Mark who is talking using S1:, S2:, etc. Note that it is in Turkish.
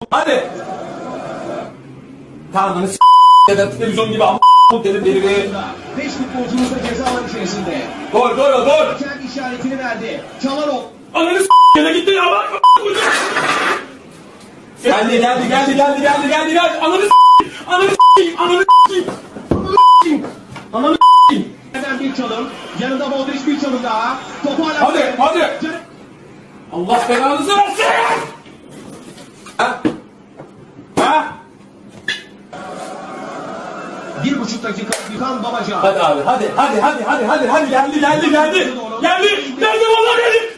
S1: Hadi. Tanrını s*** ya da televizyon gibi a*** dedim beni bir.
S2: 5 futbolcumuz da ceza alan içerisinde.
S1: Gol.
S2: Hakem işaretini verdi. Çalarok.
S1: Ananı s*** ya da gitti ya bak. Geldi. Ananı s***.
S2: Hemen bir çalım. Yanında Modric bir çalım daha. Topu hala...
S1: Hadi. Allah belanızı versin. Ha?
S2: 1,5 dakika Gökhan Babacan.
S1: Hadi abi hadi geldi vallahi geldi.